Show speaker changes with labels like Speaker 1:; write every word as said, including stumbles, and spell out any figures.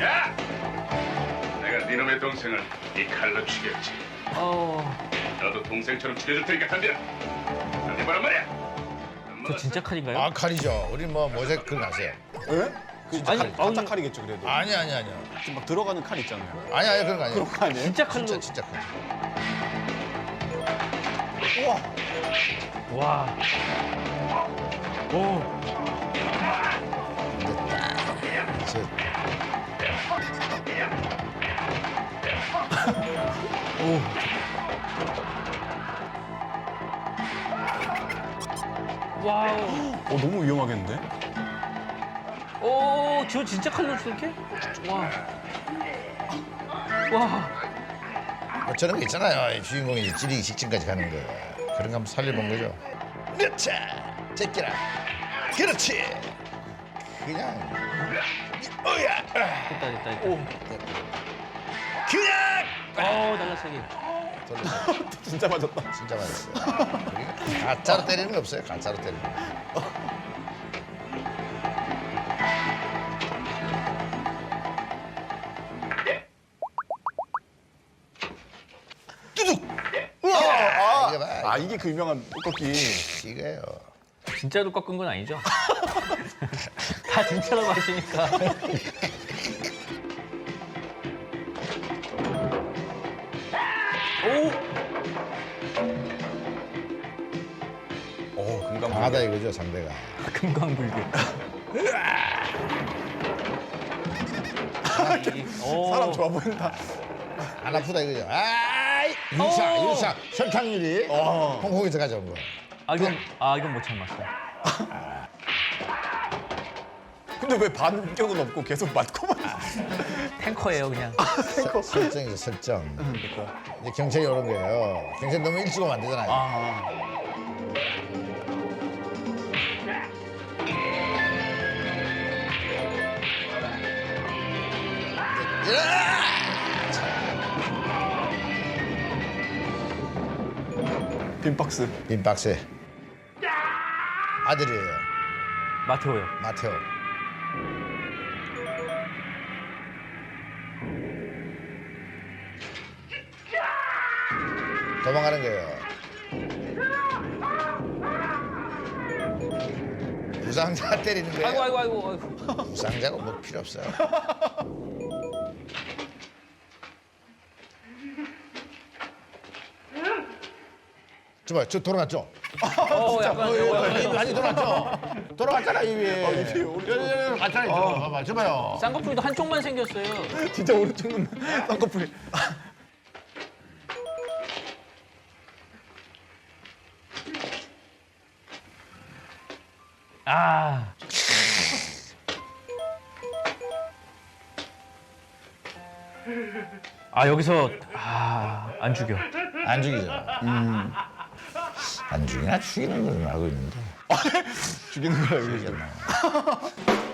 Speaker 1: 야! 내가 네놈의 동생을 이 칼로 죽였지.
Speaker 2: 어,
Speaker 1: 너도 동생처럼 죽여줄 테니까 덤벼. 덤벼보란 말이야.
Speaker 2: 저 진짜 칼인가요?
Speaker 3: 아 칼이죠. 우리 뭐 모자이크 그거 아세요?
Speaker 4: 예? 그 진짜
Speaker 2: 아니,
Speaker 4: 칼, 가짜
Speaker 2: 아니.
Speaker 4: 칼이겠죠 그래도.
Speaker 3: 아니 아니 아니요.
Speaker 4: 지금 막 들어가는 칼 있잖아요.
Speaker 3: 아니 아니 그런 거 아니에요.
Speaker 4: 그런 거 아니에요?
Speaker 2: 진짜 칼로.
Speaker 3: 진짜 진짜 칼.
Speaker 4: 우와.
Speaker 2: 와. 오.
Speaker 3: 저,
Speaker 2: 와우.
Speaker 4: 어 너무 위험하겠는데?
Speaker 2: 오, 저 진짜 칼로 저렇게? 와. 와.
Speaker 3: 뭐 저런 거 있잖아요. 이 주인공이 이제 찌르기 직전까지 가는 거. 그런 거 한번 살려본 거죠. 그렇지. 제끼라. 그렇지. 그냥. 어야.
Speaker 2: 됐다, 됐다, 됐다. 오.
Speaker 3: 그냥.
Speaker 2: 어, 날라차기.
Speaker 3: 돌렸어.
Speaker 4: 진짜 맞았다.
Speaker 3: 진짜 맞았어요. 우리가 가짜로 때리는 거 없어요. 가짜로 때리는 거. 뚜둑. 우와. 이거 봐.
Speaker 4: 아 이게 그 유명한 떡볶이.
Speaker 3: 이거예요.
Speaker 2: 진짜로 꺾은 건 아니죠? 다 진짜라고 하시니까. 오!
Speaker 4: 어 금강.
Speaker 3: 강하다 이거죠 상대가.
Speaker 2: 금강불교. 오.
Speaker 4: 사람 좋아 보인다.
Speaker 3: 안 아프다 이거죠. 아이 유사
Speaker 2: 오.
Speaker 3: 유사 설탕유리
Speaker 4: 어.
Speaker 3: 홍콩에서 가져온 거.
Speaker 2: 아, 이건, 아, 이건 못 참았어.
Speaker 4: 근데 왜 반격은 없고 계속 맞고만.
Speaker 2: 탱커예요, 그냥.
Speaker 3: 설- 설정이죠 설정. 이제 경찰이 오는 거예요. 경찰 너무 일찍 오면 안 되잖아요.
Speaker 4: 아. 빈 박스.
Speaker 3: 빈 박스에 아들이에요.
Speaker 2: 마테오요.
Speaker 3: 마테오. 도망가는 거예요. 부상자 때리는 거예요.
Speaker 2: 아이고, 아이고, 아이고, 아이고.
Speaker 3: 부상자가 뭐 필요 없어요. 저봐, 저 돌아갔죠?
Speaker 2: 어, 약간,
Speaker 3: 어, 많이 돌아갔죠? 돌아갔잖아, 이 위에.
Speaker 4: 입이 오른쪽.
Speaker 3: 갔잖아, 저. 봐봐, 저봐요.
Speaker 2: 쌍꺼풀도 한쪽만 생겼어요.
Speaker 4: 진짜 오른쪽 눈 쌍꺼풀이.
Speaker 2: 아. 아, 여기서, 아, 안 죽여.
Speaker 3: 안 죽이죠. 음. 안 죽이나 죽이는 건 알고 있는데.
Speaker 4: 죽이는 거라 그러죠.
Speaker 3: 죽였나.